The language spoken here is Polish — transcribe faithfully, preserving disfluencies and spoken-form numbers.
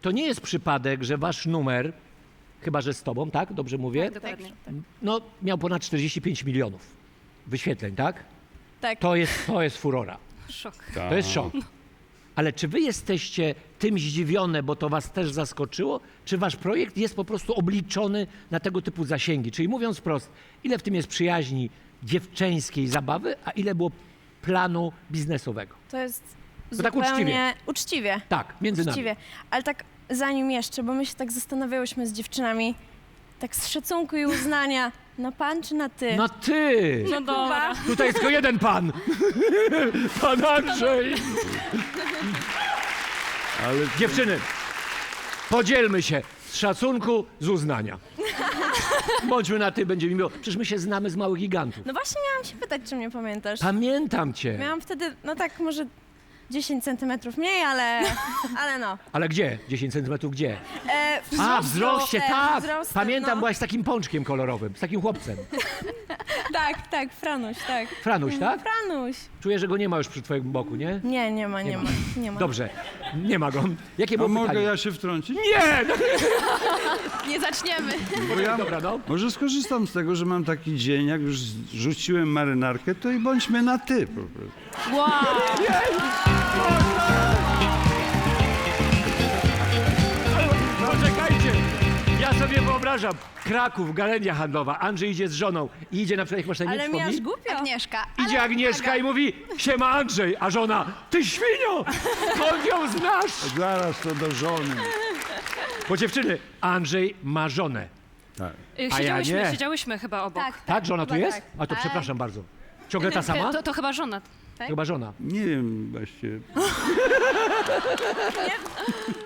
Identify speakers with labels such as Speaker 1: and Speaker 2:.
Speaker 1: to nie jest przypadek, że wasz numer, chyba że z tobą, tak? Dobrze mówię?
Speaker 2: Tak, dokładnie.
Speaker 1: No, miał ponad czterdzieści pięć milionów wyświetleń, tak?
Speaker 3: Tak.
Speaker 1: To jest, to jest furora.
Speaker 2: Szok.
Speaker 1: To jest szok. Ale czy wy jesteście tym zdziwione, bo to was też zaskoczyło? Czy wasz projekt jest po prostu obliczony na tego typu zasięgi? Czyli mówiąc wprost, ile w tym jest przyjaźni dziewczęskiej zabawy, a ile było planu biznesowego?
Speaker 3: To jest
Speaker 1: To tak
Speaker 3: zupełnie
Speaker 1: uczciwie.
Speaker 3: uczciwie.
Speaker 1: Tak, między nami.
Speaker 3: Uczciwie. Ale tak zanim jeszcze, bo my się tak zastanawiałyśmy z dziewczynami, tak z szacunku i uznania, na pan czy na ty?
Speaker 1: No ty!
Speaker 2: No dobra.
Speaker 1: Tutaj jest tylko jeden pan. Pan Andrzej.
Speaker 4: Ale
Speaker 1: Dziewczyny, podzielmy się z szacunku, z uznania. Bądźmy na ty, będzie mi miło. Przecież my się znamy z małych gigantów.
Speaker 3: No właśnie miałam się pytać, czy mnie pamiętasz.
Speaker 1: Pamiętam cię.
Speaker 3: Miałam wtedy, no tak może dziesięć centymetrów mniej, ale, ale no.
Speaker 1: Ale gdzie? dziesięć centymetrów gdzie?
Speaker 3: E,
Speaker 1: A, wzroście, tak!
Speaker 3: wzrostem,
Speaker 1: Pamiętam,
Speaker 3: no.
Speaker 1: byłaś z takim pączkiem kolorowym, z takim chłopcem.
Speaker 3: Tak, tak, Franuś, tak.
Speaker 1: Franuś, tak?
Speaker 3: Franuś.
Speaker 1: Czuję, że go nie ma już przy twoim boku, nie?
Speaker 3: Nie, nie ma, nie, ma. nie ma.
Speaker 1: Dobrze, nie ma go. Jakie
Speaker 4: a
Speaker 1: było
Speaker 4: mogę
Speaker 1: pytanie?
Speaker 4: ja się wtrącić?
Speaker 1: Nie! No,
Speaker 2: Nie zaczniemy.
Speaker 4: Bo ja
Speaker 1: dobra, no.
Speaker 4: może skorzystam z tego, że mam taki dzień, jak już rzuciłem marynarkę, to i bądźmy na ty po prostu.
Speaker 2: Wow.
Speaker 1: Poczekajcie! Ja sobie wyobrażam, Kraków, galeria handlowa, Andrzej idzie z żoną i idzie na przykład, jak masz na imię,
Speaker 3: Ale mi aż
Speaker 1: wspomnij?
Speaker 3: głupio.
Speaker 2: Agnieszka.
Speaker 1: Idzie Agnieszka i mówi, siema Andrzej, a żona, ty świnio, skąd ją znasz?
Speaker 4: Zaraz to do żony.
Speaker 1: Bo dziewczyny, Andrzej ma żonę.
Speaker 4: Tak.
Speaker 2: Y,
Speaker 1: A ja
Speaker 2: Siedziałyśmy,
Speaker 1: nie.
Speaker 2: siedziałyśmy chyba obok.
Speaker 3: Tak,
Speaker 1: Tak, żona tu
Speaker 3: chyba
Speaker 1: jest?
Speaker 3: tak.
Speaker 1: A to
Speaker 3: Tak.
Speaker 1: przepraszam bardzo. Ciągle ta sama?
Speaker 2: To, to chyba żona.
Speaker 1: Chyba żona.
Speaker 4: Nie wiem właściwie.